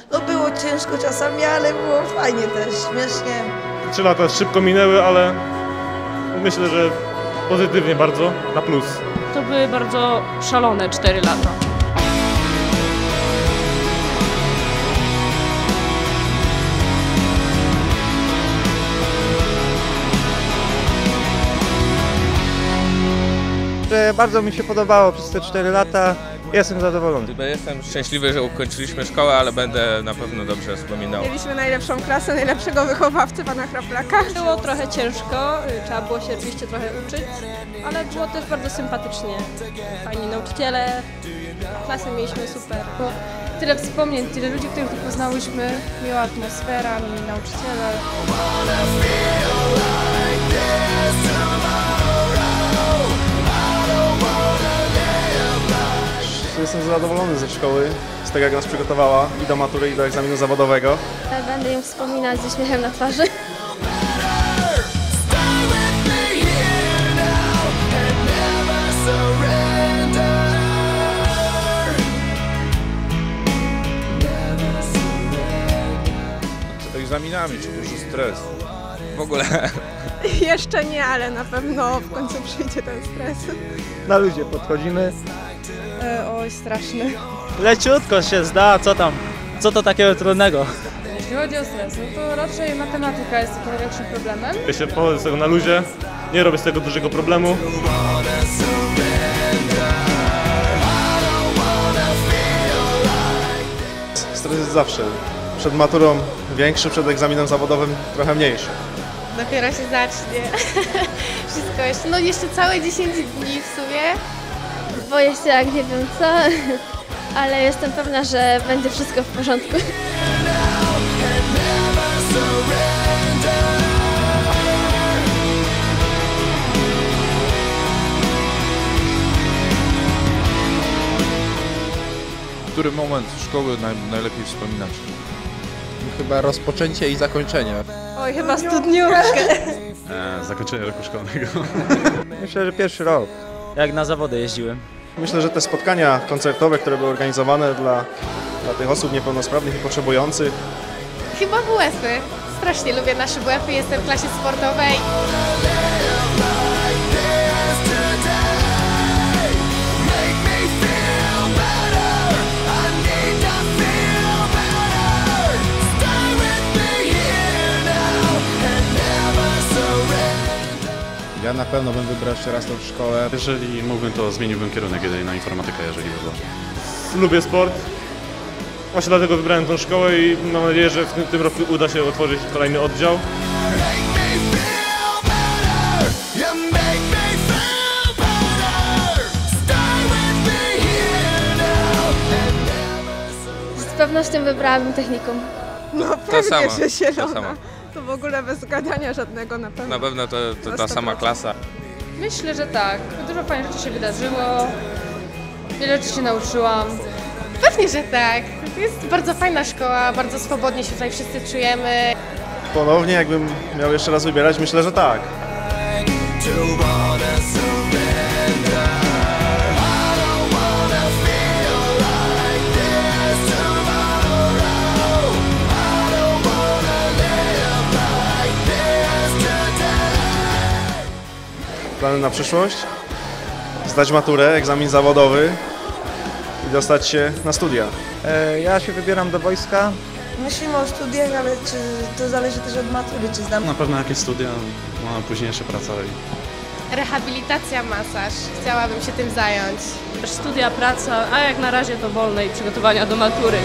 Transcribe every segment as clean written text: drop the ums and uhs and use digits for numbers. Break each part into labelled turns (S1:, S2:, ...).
S1: No było ciężko czasami, ale było fajnie też, śmiesznie.
S2: 3 lata szybko minęły, ale myślę, że pozytywnie bardzo, na plus.
S3: To były bardzo szalone 4 lata.
S4: Bardzo mi się podobało przez te 4 lata. Jestem zadowolony.
S5: Jestem szczęśliwy, że ukończyliśmy szkołę, ale będę na pewno dobrze wspominał.
S6: Mieliśmy najlepszą klasę, najlepszego wychowawcę, pana Chraflaka.
S3: Było trochę ciężko, trzeba było się oczywiście trochę uczyć, ale było też bardzo sympatycznie. Fajni nauczyciele, klasę mieliśmy super.
S7: Tyle wspomnień, tyle ludzi, których tu poznałyśmy, miła atmosfera, mili nauczyciele.
S8: Jestem zadowolony ze szkoły, z tego jak nas przygotowała i do matury, i do egzaminu zawodowego.
S9: Będę ją wspominać ze śmiechem na twarzy.
S5: Z egzaminami, czy duży stres? W ogóle.
S6: Jeszcze nie, ale na pewno w końcu przyjdzie ten stres.
S4: Na ludzie podchodzimy.
S7: Oj, straszny.
S10: Leciutko się zda, co to takiego trudnego?
S7: Jeśli chodzi o stres, no to raczej matematyka jest takim największym problemem.
S2: Ja się pochodzę z tego na luzie, nie robię z tego dużego problemu.
S8: Stres jest zawsze. Przed maturą większy, przed egzaminem zawodowym trochę mniejszy.
S9: Dopiero się zacznie. Wszystko jeszcze. No jeszcze całe 10 dni w sumie. Boję się jak nie wiem co, ale jestem pewna, że będzie wszystko w porządku.
S5: Który moment szkoły najlepiej wspominać?
S11: Chyba rozpoczęcie i zakończenie.
S6: Oj, chyba studniówkę.
S2: Zakończenie roku szkolnego.
S4: Myślę, że pierwszy rok.
S10: Jak na zawody jeździłem.
S8: Myślę, że te spotkania koncertowe, które były organizowane dla tych osób niepełnosprawnych i potrzebujących.
S9: Chyba WF-y. Strasznie lubię nasze WF-y, jestem w klasie sportowej.
S11: Ja na pewno bym wybrał jeszcze raz tą szkołę.
S2: Jeżeli mógłbym, to zmieniłbym kierunek na informatykę, jeżeli by było. Lubię sport. Właśnie dlatego wybrałem tą szkołę i mam nadzieję, że w tym roku uda się otworzyć kolejny oddział.
S9: Z pewnością wybrałabym technikum.
S6: No
S5: To
S6: pewnie,
S5: samo,
S6: że zielona.
S5: to samo.
S6: To w ogóle bez gadania żadnego na pewno.
S5: Na pewno to ta sama klasa.
S7: Myślę, że tak. Dużo fajnych rzeczy się wydarzyło. Wiele rzeczy się nauczyłam.
S9: Pewnie, że tak. To jest bardzo fajna szkoła, bardzo swobodnie się tutaj wszyscy czujemy.
S8: Ponownie, jakbym miał jeszcze raz wybierać, myślę, że tak. Plany na przyszłość? Zdać maturę, egzamin zawodowy i dostać się na studia.
S4: Ja się wybieram do wojska.
S1: Myślimy o studiach, ale czy to zależy też od matury, czy zdam.
S2: Na pewno jakieś studia, no, późniejsza praca.
S9: Rehabilitacja, masaż. Chciałabym się tym zająć.
S3: Studia, praca, a jak na razie to wolne i przygotowania do matury.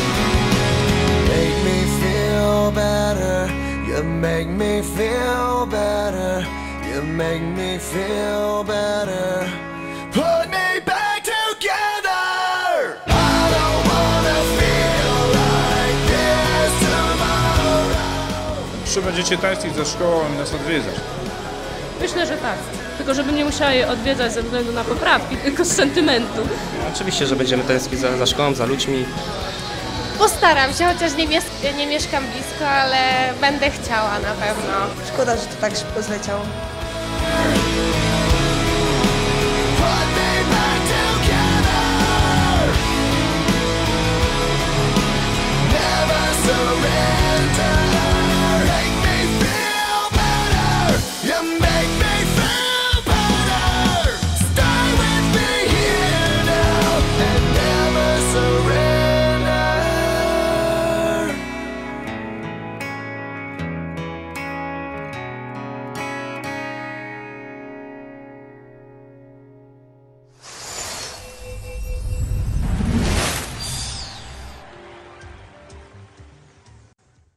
S12: Make me feel better, you make me feel better, you make me feel better. Put me back together. I don't wanna feel like this tomorrow.
S5: Czy będziecie tańczyć ze szkołą i nas odwiedzać?
S3: Myślę, że tak. Tylko żebym nie musiała jej odwiedzać ze względu na poprawki, tylko z sentymentu.
S10: Oczywiście, że będziemy tęsknić za szkołą, za ludźmi.
S9: Postaram się, chociaż nie mieszkam blisko, ale będę chciała na pewno.
S1: Szkoda, że to tak szybko zleciało.